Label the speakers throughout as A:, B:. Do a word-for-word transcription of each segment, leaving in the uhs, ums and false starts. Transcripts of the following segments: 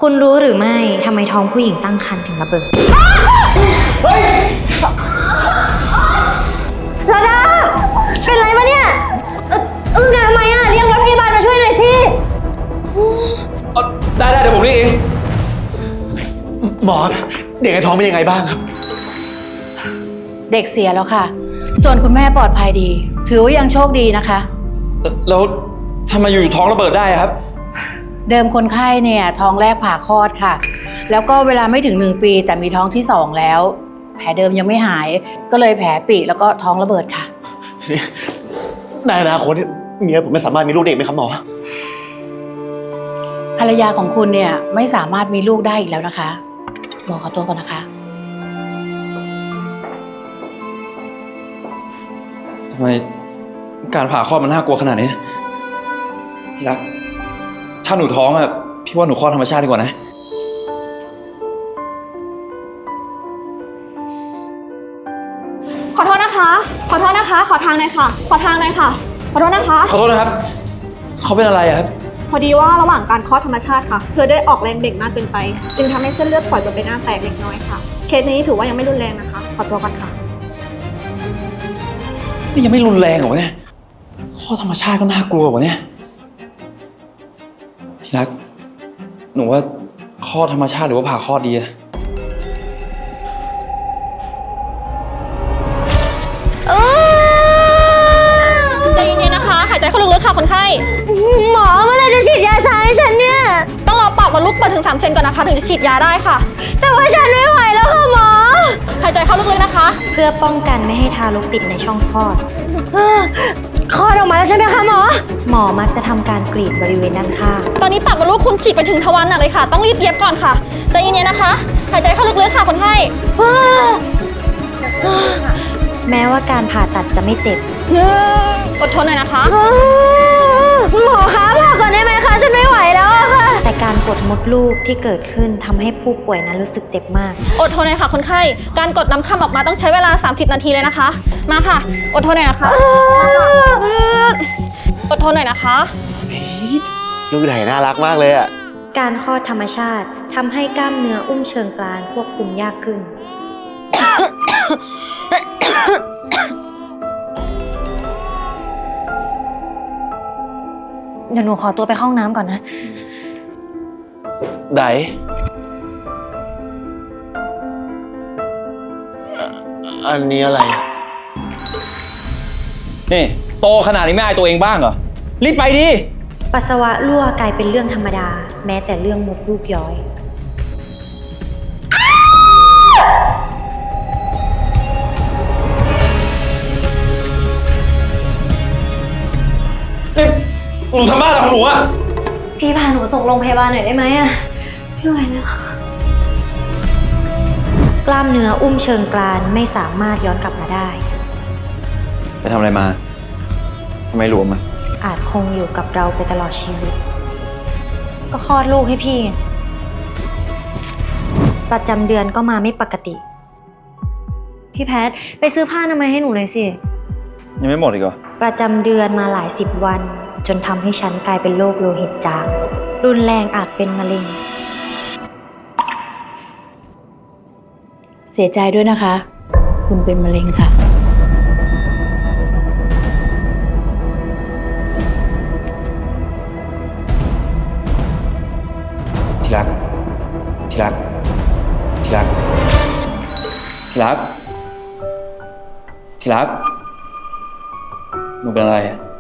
A: คุณรู้หรือไม่ทำไมท้องผู้หญิงตั้งครรภ์ถึงระเบิดเฮ้ยลาดาเป็นไรมาเนี่ยอึ้งกันทำไมอ่ะเรียกรถพยาบาลมาช่วยหน่อยสิ
B: ได้ได้เดี๋ยวผมเรียกเอง
C: หมอเด็กในท้องเป็นยังไงบ้างครับ
D: เด็กเสียแล้วค่ะส่วนคุณแม่ปลอดภัยดีถือว่ายังโชคดีนะคะ
B: แล้วทำไมอยู่ท้องระเบิดได้ครับ
D: เดิมคนไข้เนี่ยท้องแรกผ่าคลอดค่ะแล้วก็เวลาไม่ถึงหนึ่งปีแต่มีท้องที่สองแล้วแผลเดิมยังไม่หายก็เลยแผลปีแล้วก็ท้องระเบิดค่ะ
C: ในอนาคตเมียผมไม่สามารถมีลูกเด็กไหมครับหมอ
D: ภรรยาของคุณเนี่ยไม่สามารถมีลูกได้อีกแล้วนะคะหมอขอตัวก่อนนะคะ
B: ทำไมการผ่าคลอดมันน่ากลัวขนาดนี้ที่รักถ้าหนูท้องอะพี่ว่าหนูคลอดธรรมชาติดีกว่านะ
E: ขอโทษนะคะขอโทษนะคะขอทางหน่อยค่ะขอทางหน่อยค่ะขอโทษนะคะ
B: ขอโทษนะครับเขาเป็นอะไรอะครับ
E: พอดีว่าระหว่างการคลอดธรรมชาติค่ะเธอได้ออกแรงเด็กมากเกินไปจึงทำให้เส้นเลือดฝอยบนใบหน้าแตกเล็กน้อยค่ะเคสนี้ถือว่ายังไม่รุนแรงนะคะขอตัวก่อนค่ะ
B: นี่ยังไม่รุนแรงเหรอเนี่ยคลอดธรรมชาติก็น่ากลัวกว่าเนี่ยที่รักหนูว่าคลอดธรรมชาติหรือว่าผ่าคลอดดีอะ
E: ใจเย็นๆนะคะหายใจเข้าลึกๆค่ะคนไข้
A: หมอเมื่อไรจะฉีดยาชาให้ฉันเนี่ย
E: ต้องรอปอดมดลูกเปิดถึงสามเซนก่อนนะคะถึงจะฉีดยาได้ค่ะ
A: แต่ว่าฉันไม่ไหวแล้วค่ะหมอ
E: หายใจเข้าลึกๆนะคะ
A: เพื่อป้องกันไม่ให้ทารกติดในช่องคลอดคลอดออกมาแล้วใช่ไหมคะหมอหมอมักจะทำการกรีดบริเวณด้านข้าง
E: ตอนนี้ปากมดลูกคุณฉีดไปถึงทวารหนักเลยค่ะต้องรีบเย็บก่อนค่ะใจเย็นๆนะคะหายใจเข้าลึกๆค่ะคนไข้
A: แม้ว่าการผ่าตัดจะไม่เจ็บ
E: อดทนหน่อยนะคะ
A: หมอคะผ่าก่อนได้ไหมคะฉันไม่ไหวแล้วค่ะแต่การกดมดลูกที่เกิดขึ้นทำให้ผู้ป่วยนั้นรู้สึกเจ็บมาก
E: อดทนหน่อยค่ะคนไข้การกดน้ำค่ำออกมาต้องใช้เวลาสามสิบนาทีเลยนะคะมาค่ะอดทนหน่อยนะคะอดทนหน่อยนะคะ
C: ลูกไหนน่ารักมากเลยอ่ะ
A: การคลอดธรรมชาติทำให้กล้ามเนื้ออุ้มเชิงกรานควบคุมยากขึ้นเดี๋ยวหนูขอตัวไปเข้าห้องน้ำก่อนนะ
B: ได
C: อันนี้อะไร
B: นี่โตขนาดนี้ไม่อายตัวเองบ้างเหรอรีบไปดิ
A: ปัสสาวะรั่วกลายเป็นเรื่องธรรมดาแม้แต่เรื่องมดลูกย้อย
B: นี่หนูทำบ้าอะไรของหนูอะ
A: พี่พาหนูส่งโรงพยาบาลหน่อยได้ไหมอะไม่ไหวแล้วกล้ามเนื้ออุ้มเชิงกรานไม่สามารถย้อนกลับมาได้
B: ไปทำอะไรมาทำไมหลวมอะ
A: อาจคงอยู่กับเราไปตลอดชีวิตก็คลอดลูกให้พี่ประจำเดือนก็มาไม่ปกติพี่แพทไปซื้อผ้าอนามัยให้หนูหน่อยสิ
B: ยังไม่หมดอีกเหรอ
A: ประจำเดือนมาหลายสิบวันจนทำให้ฉันกลายเป็นโรคโลหิตจางรุนแรงอาจเป็นมะเร็ง
D: เสียใจด้วยนะคะคุณเป็นมะเร็งค่ะ
B: ที่รักที่รักที่รักที่รักที่รักหนูเป็นอะไร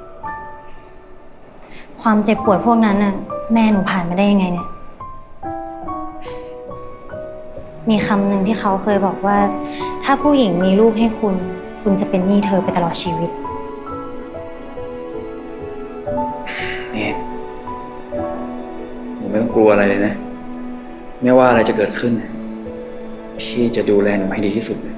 A: ความเจ็บปวดพวกนั้นน่ะแม่หนูผ่านมาได้ยังไงเนี่ยมีคำหนึ่งที่เขาเคยบอกว่าถ้าผู้หญิงมีลูกให้คุณคุณจะเป็นหนี้เธอไปตลอดชีวิต
B: นี่หนูไม่ต้องกลัวอะไรเลยนะไม่ว่าอะไรจะเกิดขึ้นพี่จะดูแลหนูให้ดีที่สุดเลย